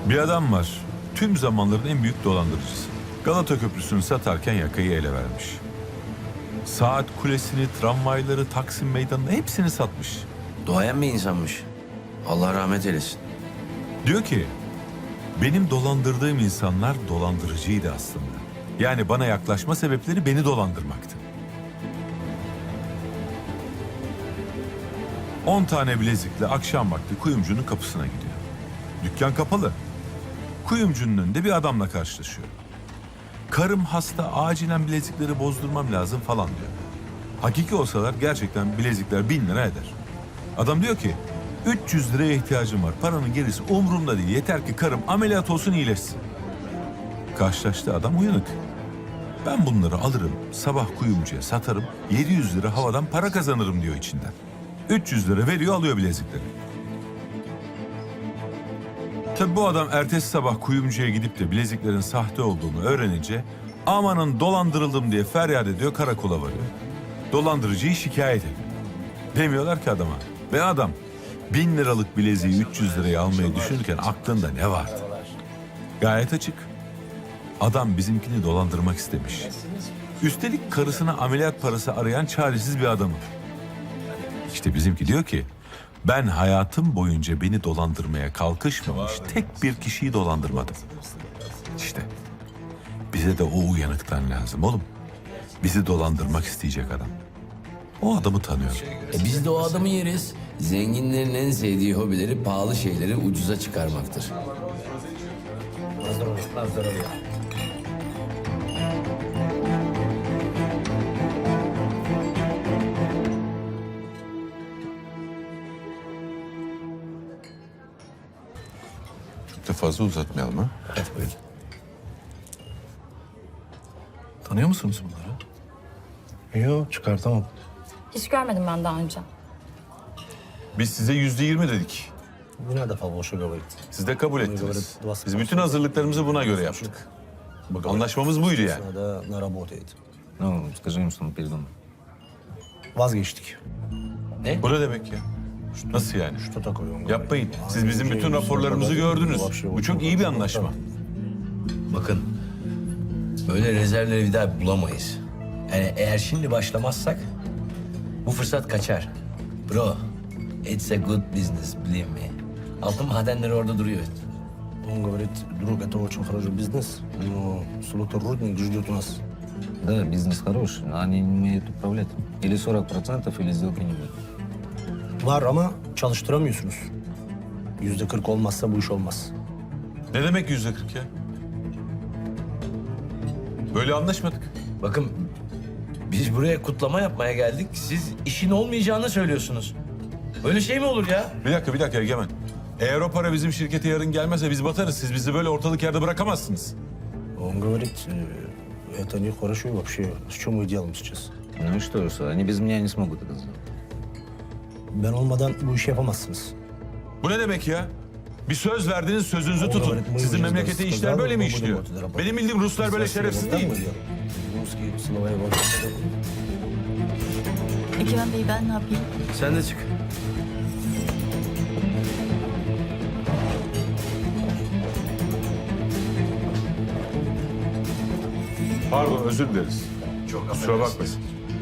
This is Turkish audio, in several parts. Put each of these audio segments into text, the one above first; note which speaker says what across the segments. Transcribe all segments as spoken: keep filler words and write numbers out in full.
Speaker 1: Bir adam var. Tüm zamanların en büyük dolandırıcısı. Galata Köprüsü'nü satarken yakayı ele vermiş. Saat kulesini, tramvayları, Taksim Meydanı'nı hepsini satmış.
Speaker 2: Doğayan bir insanmış. Allah rahmet eylesin.
Speaker 1: Diyor ki, benim dolandırdığım insanlar dolandırıcıydı aslında. Yani bana yaklaşma sebepleri beni dolandırmaktı. On tane bilezikle akşam vakti kuyumcunun kapısına gidiyor. Dükkan kapalı. Kuyumcunun önünde bir adamla karşılaşıyor. Karım hasta, acilen bilezikleri bozdurmam lazım falan diyor. Hakiki olsalar gerçekten bilezikler bin lira eder. Adam diyor ki, üç yüz liraya ihtiyacım var. Paranın gerisi umurumda değil. Yeter ki karım ameliyat olsun, iyileşsin. Karşılaştığı adam uyanık. Ben bunları alırım, sabah kuyumcuya satarım, yedi yüz lira havadan para kazanırım diyor içinden. üç yüz lira veriyor, alıyor bilezikleri. Tabii bu adam ertesi sabah kuyumcuya gidip de bileziklerin sahte olduğunu öğrenince amanın dolandırıldım diye feryat ediyor, karakola varıyor. Dolandırıcıyı şikayet ediyor. Demiyorlar ki adama, be adam bin liralık bileziği üç yüz liraya almayı düşünürken aklında ne vardı? Gayet açık. Adam bizimkini dolandırmak istemiş. Üstelik karısına ameliyat parası arayan çaresiz bir adamı. İşte bizimki diyor ki, ben hayatım boyunca beni dolandırmaya kalkışmamış tek bir kişiyi dolandırmadım. İşte bize de o uyanıktan lazım oğlum. Bizi dolandırmak isteyecek adam. O adamı tanıyorum.
Speaker 2: E biz de o adamı yeriz. Zenginlerin en sevdiği hobileri pahalı şeyleri ucuza çıkarmaktır.
Speaker 1: Çok da fazla uzatmayalım ha.
Speaker 3: Evet, buyurun. Tanıyor musunuz bunları? Yok, çıkartamam.
Speaker 4: Hiç görmedim ben daha önce.
Speaker 1: Biz size yüzde yirmi dedik.
Speaker 3: Не надо фалшиво говорить.
Speaker 1: Siz de kabul ettiniz.
Speaker 3: говорят,
Speaker 1: Biz bütün hazırlıklarımızı buna göre yaptık. Anlaşmamız buydu yani.
Speaker 3: Надо наработает.
Speaker 5: Ну, скажи им, что мы передумали.
Speaker 3: Vazgeçtik.
Speaker 1: Bu ne demek ya? Nasıl yani?
Speaker 3: Что такое? Он
Speaker 1: Yapmayın.
Speaker 3: говорит,
Speaker 1: Siz bizim bütün raporlarımızı gördünüz. Bu çok iyi bir anlaşma.
Speaker 2: Bakın, böyle rezervleri bir daha bulamayız. Yani eğer şimdi başlamazsak bu fırsat kaçar. Bro, it's a good business, believe me. Altın madenleri orada duruyor.
Speaker 3: Он говорит, друг, это очень хороший бизнес, но Слотер Рудник ждет нас.
Speaker 5: Да, бизнес хороший, но они не умеют управлять. Или сорок процентов, или сделки не будет.
Speaker 3: Var ama çalıştıramıyorsunuz. Yüzde kırk olmazsa bu iş olmaz.
Speaker 1: Ne demek yüzde kırk ya? Böyle anlaşmadık.
Speaker 2: Bakın, biz buraya kutlama yapmaya geldik. Siz işin olmayacağını söylüyorsunuz. Böyle şey mi olur ya?
Speaker 1: Bir dakika, bir dakika Egemen. Eğer o para bizim şirkete yarın gelmezse biz batarız. Siz bizi böyle ortalık yerde bırakamazsınız.
Speaker 3: Он говорит, э, это нехорошо вообще. С чем мы делаем сейчас?
Speaker 5: Ну и что, что они без меня не смогут это сделать.
Speaker 3: Ben olmadan bu işi yapamazsınız.
Speaker 1: Bu ne demek ya? Bir söz verdiniz, sözünüzü tutun. Sizin memlekette işler böyle mi işliyor? Benim bildiğim Ruslar böyle şerefsiz değil mi?
Speaker 3: Русские силовая власть.
Speaker 4: Egemen Bey, ben ne yapayım?
Speaker 2: Sen de çık.
Speaker 1: Pardon, özür dileriz. Çok kusura bakmayın.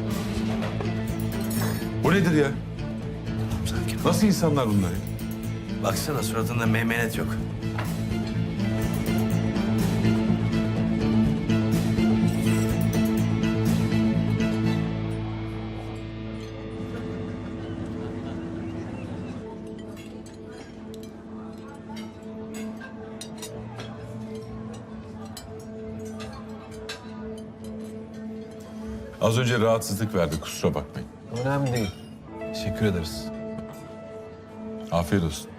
Speaker 1: Bu nedir ya? Nasıl insanlar bunlar ya?
Speaker 2: Baksana suratında meymenet yok.
Speaker 1: Az önce rahatsızlık verdi, kusura bakmayın.
Speaker 3: Önemli değil. Teşekkür ederiz.
Speaker 1: Afiyet olsun.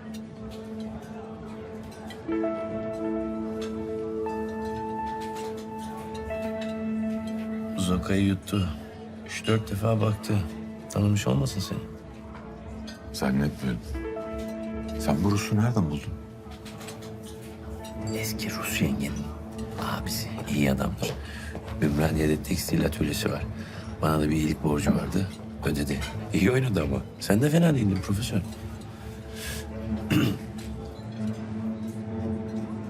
Speaker 2: Zoka'yı yuttu. Üç dört defa baktı. Tanımış olmasın seni?
Speaker 1: Zannetmiyorum. Sen bu Rus'u nereden buldun?
Speaker 2: Eski Rus yengenin abisi. İyi adamdır. Ümraniye'de tekstil atölyesi var. Bana da bir iyilik borcu vardı. Ödedi. İyi oynadı ama. Sen de fena değildin profesör.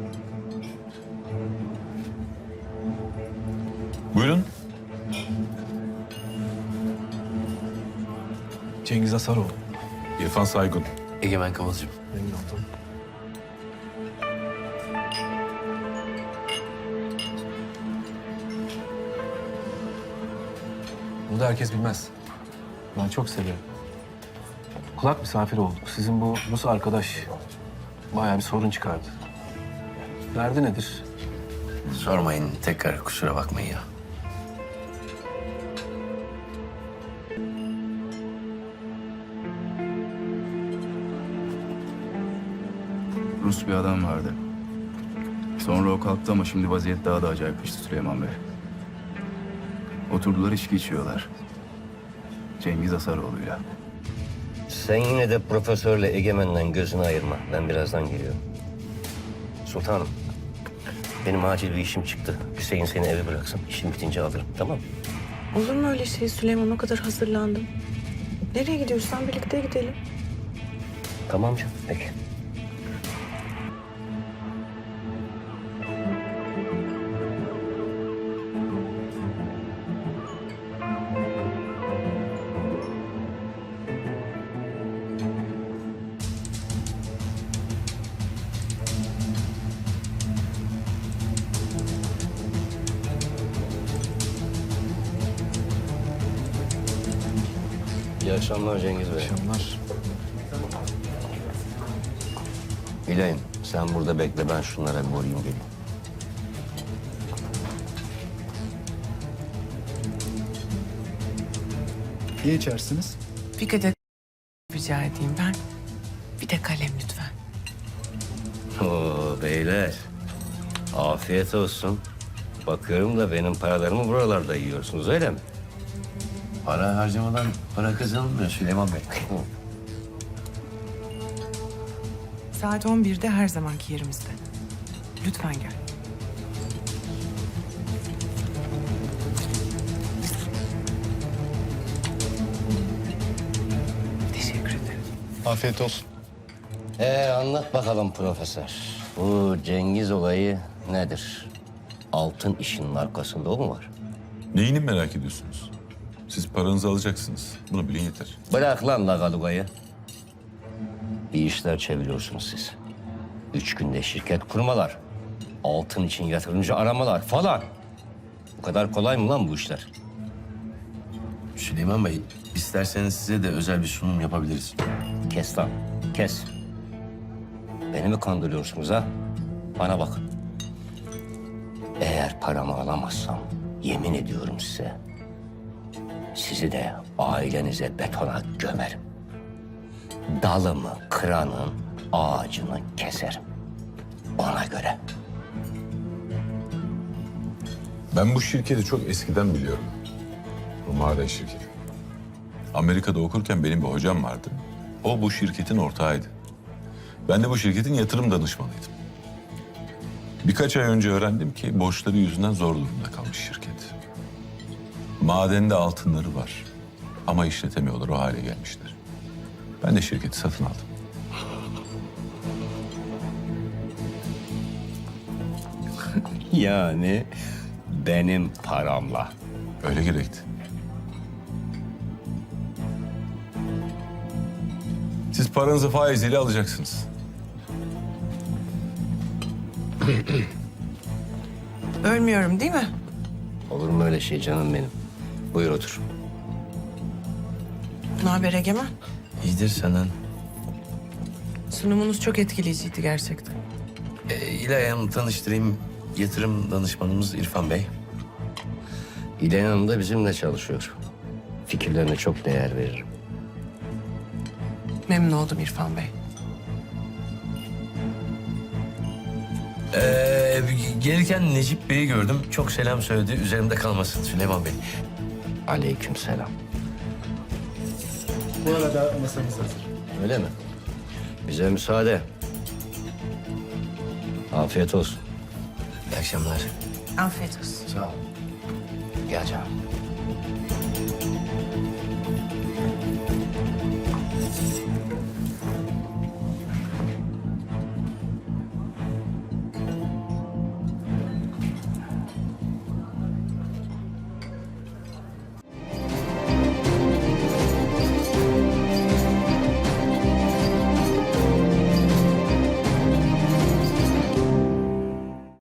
Speaker 6: Cengiz Asaroğlu.
Speaker 1: İrfan Saygun.
Speaker 2: Egemen Kıvılcım.
Speaker 3: Memnun oldum.
Speaker 6: Bunu da herkes bilmez. Ben çok seviyorum. Kulak misafir olduk. Sizin bu Rus arkadaş bayağı bir sorun çıkardı. Derdi nedir?
Speaker 2: Sormayın tekrar kusura bakmayın ya.
Speaker 7: Rus bir adam vardı. Sonra o kalktı ama şimdi vaziyet daha da acayipleşti Süleyman Bey. Oturdular içki içiyorlar. Cengiz Asaroğlu'yla.
Speaker 8: Sen yine de profesörle Egemen'den gözünü ayırma. Ben birazdan geliyorum. Sultanım, benim acil bir işim çıktı. Hüseyin seni eve bıraksın. İşim bitince alırım, tamam mı?
Speaker 9: Olur mu öyle şey Süleyman? O kadar hazırlandım. Nereye gidiyorsan birlikte gidelim.
Speaker 8: Tamam canım, peki. İyi akşamlar Cengiz Bey.
Speaker 6: Akşamlar.
Speaker 8: İlayim, sen burada bekle. Ben şunlara bir uğrayayım geleyim.
Speaker 7: Ne içersiniz?
Speaker 9: Bir kadeh rica edeyim ben. Bir de kalem lütfen.
Speaker 8: Oo beyler, afiyet olsun. Bakıyorum da benim paralarımı buralarda yiyorsunuz, öyle mi?
Speaker 2: Para harcamadan para kazanılmıyor Süleyman Bey.
Speaker 9: Saat on birde her zamanki yerimizde. Lütfen gel. Teşekkür ederim.
Speaker 7: Afiyet olsun.
Speaker 8: Ee anlat bakalım profesör. Bu Cengiz olayı nedir? Altın işinin arkasında o mu var?
Speaker 1: Neyini merak ediyorsunuz? Siz paranızı alacaksınız. Bunu bilin yeter.
Speaker 8: Bırak lan Lagaluga'yı. İyi işler çeviriyorsunuz siz. Üç günde şirket kurmalar. Altın için yatırımcı aramalar falan. Bu kadar kolay mı lan bu işler?
Speaker 2: Süleyman Bey isterseniz size de özel bir sunum yapabiliriz.
Speaker 8: Kes lan, kes. Beni mi kandırıyorsunuz ha? Bana bakın. Eğer paramı alamazsam yemin ediyorum size... sizi de ailenize betona gömerim. Dalımı kıranın ağacını keserim. Ona göre.
Speaker 1: Ben bu şirketi çok eskiden biliyorum. Bu maden şirketi. Amerika'da okurken benim bir hocam vardı. O bu şirketin ortağıydı. Ben de bu şirketin yatırım danışmanıydım. Birkaç ay önce öğrendim ki borçları yüzünden zor durumda kalmış şirket. Madende altınları var ama işletemiyorlar, o hale gelmişler. Ben de şirketi satın aldım.
Speaker 8: Yani benim paramla.
Speaker 1: Öyle gerekti. Siz paranızı faiziyle alacaksınız.
Speaker 9: Ölmüyorum değil mi?
Speaker 8: Olur mu öyle şey canım benim? Buyur otur.
Speaker 9: Ne haber Egemen?
Speaker 2: İyidir senden.
Speaker 9: Sunumunuz çok etkileyiciydi gerçekten.
Speaker 2: Ee, İlay Hanım'ı tanıştırayım. Yatırım danışmanımız İrfan Bey.
Speaker 8: İlhan Hanım da bizimle çalışıyor. Fikirlerine çok değer veririm.
Speaker 9: Memnun oldum İrfan Bey.
Speaker 2: Ee, gelirken Necip Bey'i gördüm. Çok selam söyledi. Üzerimde kalmasın Süleyman Bey.
Speaker 8: Aleykümselam.
Speaker 7: Bu arada masamız hazır.
Speaker 8: Öyle mi? Bize müsaade. Afiyet olsun.
Speaker 2: İyi akşamlar.
Speaker 9: Afiyet olsun.
Speaker 2: Sağ ol.
Speaker 8: Gel canım.